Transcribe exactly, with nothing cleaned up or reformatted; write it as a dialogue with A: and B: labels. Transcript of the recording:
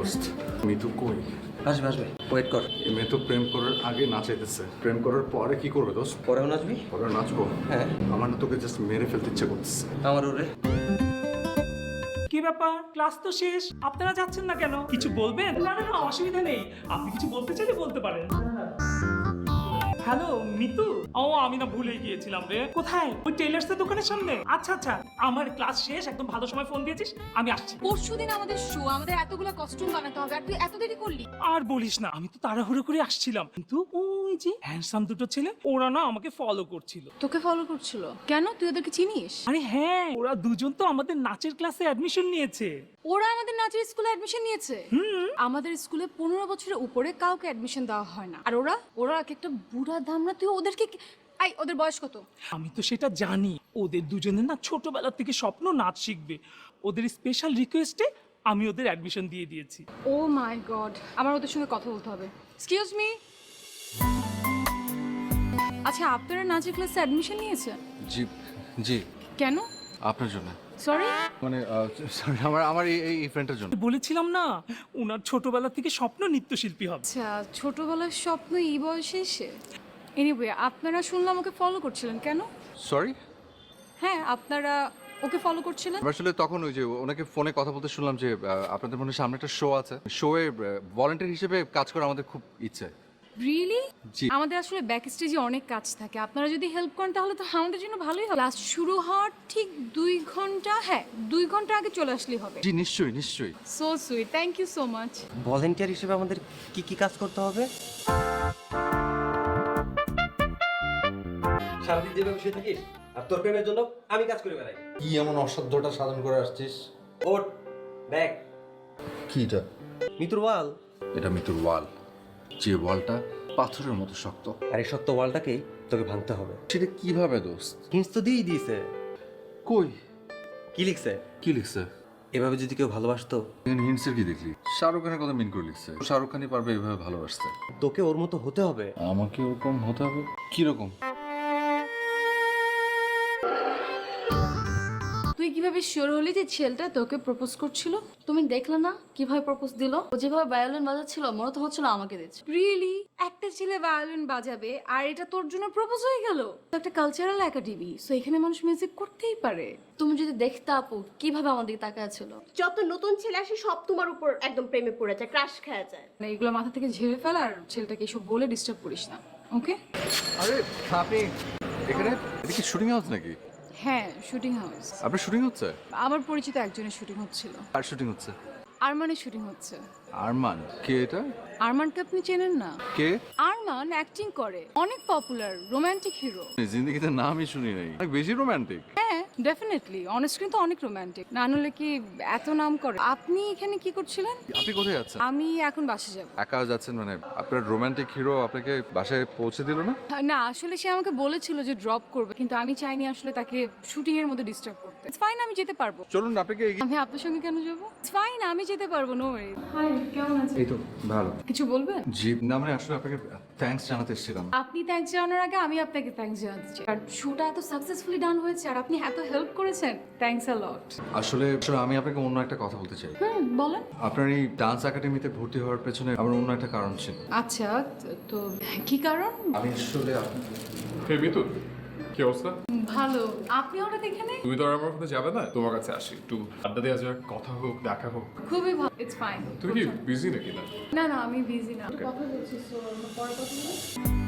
A: দোস্ত মিতু কই?
B: আসবে আসবে, ওয়েট কর।
A: এই মেয়ে তো প্রেম করার আগে নাচাইতেছে, প্রেম করার পরে কি করবে দোস্ত?
B: পরেও নাচবি?
A: পরে নাচবো?
B: হ্যাঁ।
A: আমার না তোকে জাস্ট মেরে ফেলতে ইচ্ছে করতেছে।
B: আমার ওরে
C: কি ব্যাপার, ক্লাস তো শেষ, আপনারা যাচ্ছেন না কেন? কিছু বলবেন? না না না, অসুবিধা নেই, আপনি কিছু বলতে চাইলে বলতে পারেন। হ্যালো মিতু। ও আমি না ভুলে গিয়েছিলাম রে। কোথায়? ওই টেইলার্স এর দোকানের সামনে? আচ্ছা আচ্ছা, আমার ক্লাস শেষ, একদম ভালো সময় ফোন দিয়েছিস, আমি আসছি।
D: পরশুদিন আমাদের শো, আমাদের এতগুলো কস্টিউম বানাতে হবে আর তুই এত দেরি করলি।
C: আর বলিস না, আমি তো তাড়াহুড়ো করে আসছিলাম, কিন্তু ওই যে হ্যান্ডসাম দুটো ছেলে, ওরা না আমাকে ফলো করছিল।
D: তোকে ফলো করছিল কেন? তুই ওদেরকে চিনিস?
C: আরে হ্যাঁ, ওরা দুজন তো আমাদের নাচের ক্লাসে অ্যাডমিশন নিয়েছে।
D: ওরা আমাদের নাচের স্কুলে অ্যাডমিশন নিয়েছে? আমাদের স্কুলে পনেরো বছরের উপরে কাউকে অ্যাডমিশন দেওয়া হয় না। আর ওরা ওরা এক একটা বুড়া দামরা, তুই ওদেরকে কি- আই ওদের বয়স কত?
C: আমি তো সেটা জানি, ওদের দুজনের না ছোটবেলা থেকে স্বপ্ন নাচ শিখবে। ওদের স্পেশাল রিকোয়েস্টে আমি ওদের অ্যাডমিশন দিয়ে দিয়েছি।
D: ও মাই গড, আমার ওদের সঙ্গে কথা বলতে হবে। Excuse me. আচ্ছা, আপনারা নাচের ক্লাসে অ্যাডমিশন নিয়েছে?
A: জি জি,
D: কেন?
A: আপনার জন্য।
D: সরি।
A: মানে সরি, আমার আমার এই এই ফ্রেন্ডের জন্য।
C: বলেছিলাম না, ওনার ছোটবেলা থেকে স্বপ্ন নৃত্যশিল্পী হবে।
D: আচ্ছা, ছোটবেলার স্বপ্ন এই বয়সে এসে। এনিওয়ে, আপনারা শুনলাম ওকে ফলো করছিলেন কেন?
A: সরি,
D: হ্যাঁ, আপনারা ওকে ফলো করছিলেন।
A: আসলে তখন ওই যে ওনাকে ফোনে কথা বলতে শুনলাম যে আহ, আপনাদের মনে হয় সামনে একটা শো আছে, শোয়ে ভলান্টিয়ার হিসেবে কাজ করা আমাদের খুব ইচ্ছে।
D: রিয়েলি?
A: জি।
D: আমাদের আসলে ব্যাক স্টেজে অনেক কাজ থাকে, আপনারা যদি হেল্প করেন তাহলে তো আমাদের জন্য ভালোই হবে। ক্লাস শুরু হওয়ার ঠিক দুই ঘন্টা, হ্যাঁ দুই ঘন্টা আগে চলে আসলেই হবে।
A: জি নিশ্চয়ই নিশ্চয়ই।
D: So sweet, thank you so much.
B: Volunteer হিসেবে আমাদের কি কি কাজ করতে হবে? সারাদিন যেভাবে বসে থাকিস আর তোর প্রেমের জন্য আমি কাজ করে বেড়াই।
A: কি এমন অসাধ্যটা সাধন করে আসছিস?
B: ওট দেখ,
A: কি এটা?
B: মিতুর ওয়াল।
A: এটা মিতুর ওয়াল, যে ওয়ালটা পাথরের মতো শক্ত।
B: আর এই সত্য ওয়ালটাকেই তোকে ভাঙতে হবে।
A: সেটা কিভাবে দোস্ত?
B: হিন্স তো দিয়েই দিয়েছে।
A: কই?
B: কি লিখছে?
A: কি লিখছে?
B: এভাবে যদি কেউ ভালোবাসতো।
A: হিন্টসের কি দেখলি? শাহরুখ খানের কথা মিন করে লিখছে। শাহরুখ খানই পারবে এভাবে ভালোবাসতে।
B: তোকে ওর মতো হতে হবে।
A: আমাকে ওরকম হতে হবে? কিরকম?
D: তুই কিভাবে শিওর হলি যে ছেলেটা তোকে প্রপোজ করছিল? তুমি দেখলে না কিভাবে প্রপোজ দিল? ও যেভাবে ভায়োলিন বাজাচ্ছিল মনে তো হচ্ছিল আমাকে দিচ্ছে। রিয়েলি? একটা ছেলে ভায়োলিন বাজাবে আর এটা তোর জন্য প্রপোজ হয়ে গেল? তো একটা কালচারাল একাডেমি, সো এখানে মানুষ মিউজিক করতেই পারে। তুমি যদি দেখতে আপু কিভাবে আমার দিকে তাকায় ছিল।
E: যত নতুন ছেলে আসে সব তোমার উপর একদম প্রেমে পড়ে যায়, ক্রাশ খেয়ে যায়।
D: মানে এগুলো মাথা থেকে ঝেড়ে ফেল আর ছেলেটাকে এসব বলে ডিস্টার্ব করিস না, ওকে?
A: আরে আপনি এখানে? এটা কি শুটিং হাউস নাকি?
D: হ্যাঁ, শুটিং হাউস।
A: আপনার শুটিং হচ্ছে?
D: আমার পরিচিত একজনের শুটিং হচ্ছিল।
A: আর শুটিং হচ্ছে?
D: আরমানের শুটিং হচ্ছে।
A: আরমান? কে এটা?
D: আরমানকে আপনি চেনেন না?
A: কে?
D: আরমান অ্যাক্টিং করে, অনেক পপুলার, রোমান্টিক হিরো।
A: জিন্দগিতে নামই শুনি নাই, অনেক বেশি রোমান্টিক।
D: হ্যাঁ ডেফিনেটলি, অনস্ক্রিন তো অনেক রোমান্টিক, না হলে কি এত নাম করে। আপনি এখানে কি করছিলেন?
A: আপনি কোথায় যাচ্ছেন?
D: আমি এখন বাসে যাব।
A: একা যাচ্ছেন মানে? আপনার রোমান্টিক হিরো আপনাকে বাসায় পৌঁছে দিল না?
D: না আসলে সে আমাকে বলেছিল যে ড্রপ করবে, কিন্তু আমি চাইনি আসলে তাকে শুটিং এর মধ্যে ডিস্টার্ব করতে। ইটস ফাইন, আমি যেতে পারবো।
A: চলুন আপনাকে এগিয়ে-
D: আমি আপনার সঙ্গে কেন যাব? ইটস ফাইন, আমি যেতে পারবো, নো ওয়ারি। হাই, কেমন আছেন?
A: এই তো ভালো।
D: কিছু বলবেন?
A: জি না, মানে আসলে আপনাকে থ্যাঙ্কস জানাতে এসেছিলাম।
D: আপনি থ্যাঙ্কস জানানোর আগে আমি আপনাকে থ্যাঙ্কস জানাতে চাই। আর শুটা এত সাকসেসফুলি ডান হয়েছে আর আপনি এত হেল্প করেছেন, থ্যাঙ্কস আ লট।
A: আসলে আসলে আমি আপনাকে অন্য একটা কথা বলতে চাই।
D: হুম, বলেন।
A: আপনার এই ডান্স একাডেমিতে ভর্তি হওয়ার পেছনে আমার অন্য একটা কারণ ছিল।
D: আচ্ছা, তো- তো কি কারণ?
A: আমি আসলে আপনি-
F: হে মিতু, কি অবস্থা?
D: ভালো। আপনি হঠাৎ এখানে?
F: তুমি তো আর আমার মধ্যে যাবে না, তোমার কাছে আসি একটু আড্ডা দেওয়া যাক, কথা হোক, দেখা হোক।
D: খুবই ভালো, ইটস ফাইন।
F: তুমি কি বিজি নাকি না?
D: না না, আমি বিজি না, কথা বলছি, সো আমরা পরে কথা বলবো।